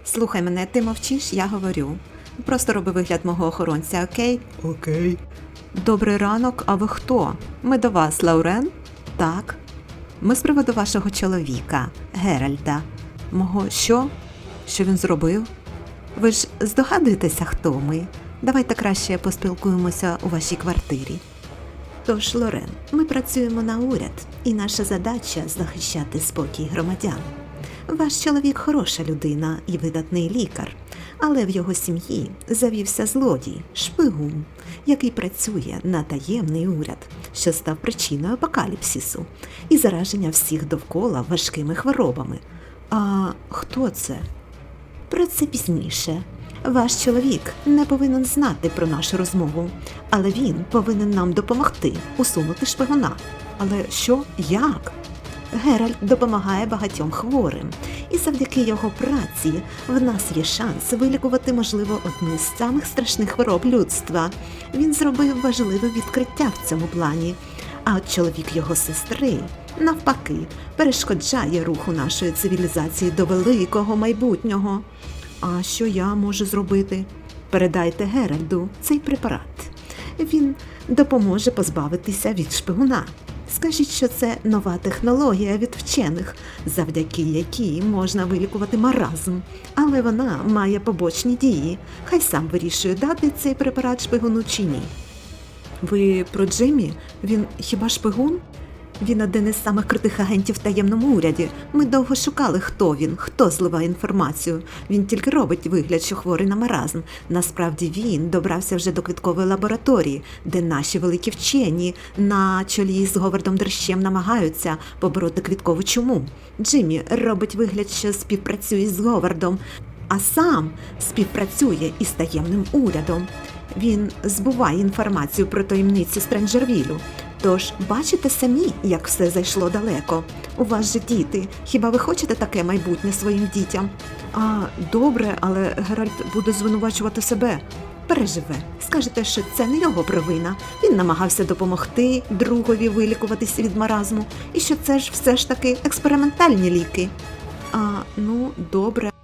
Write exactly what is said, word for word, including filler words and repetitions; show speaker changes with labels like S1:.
S1: Слухай мене, ти мовчиш, я говорю. Просто роби вигляд мого охоронця, окей?
S2: Окей.
S1: Добрий ранок, а ви хто? Ми до вас, Лаурен? Так. Ми з приводу вашого чоловіка, Геральта. Мого що? Що він зробив? Ви ж здогадуєтеся, хто ми? Давайте краще поспілкуємося у вашій квартирі. Тож, Лорен, ми працюємо на уряд, і наша задача – захищати спокій громадян. Ваш чоловік хороша людина і видатний лікар, але в його сім'ї завівся злодій, шпигун, який працює на таємний уряд, що став причиною апокаліпсису і зараження всіх довкола важкими хворобами. А хто це? Про це пізніше. Ваш чоловік не повинен знати про нашу розмову, але він повинен нам допомогти усунути шпигуна. Але що? Як? Геральт допомагає багатьом хворим, і завдяки його праці в нас є шанс вилікувати, можливо, одну з самих страшних хвороб людства. Він зробив важливе відкриття в цьому плані, а от чоловік його сестри, навпаки, перешкоджає руху нашої цивілізації до великого майбутнього. А що я можу зробити? Передайте Геральду цей препарат. Він допоможе позбавитися від шпигуна. Скажіть, що це нова технологія від вчених, завдяки якій можна вилікувати маразм. Але вона має побочні дії. Хай сам вирішує, дати цей препарат шпигуну чи ні. Ви про Джиммі? Він хіба шпигун? Він один із самих крутих агентів в таємному уряді. Ми довго шукали, хто він, хто зливає інформацію. Він тільки робить вигляд, що хворий на маразм. Насправді він добрався вже до квіткової лабораторії, де наші великі вчені на чолі з Говардом Дрищем намагаються побороти квіткову чуму. Джиммі робить вигляд, що співпрацює з Говардом, а сам співпрацює із таємним урядом. Він збуває інформацію про таємниці Стренджервілю. Тож, бачите самі, як все зайшло далеко. У вас же діти. Хіба ви хочете таке майбутнє своїм дітям? А, добре, але Геральт буде звинувачувати себе. Переживе. Скажете, що це не його провина. Він намагався допомогти другові вилікуватися від маразму. І що це ж все ж таки експериментальні ліки. А, ну, добре.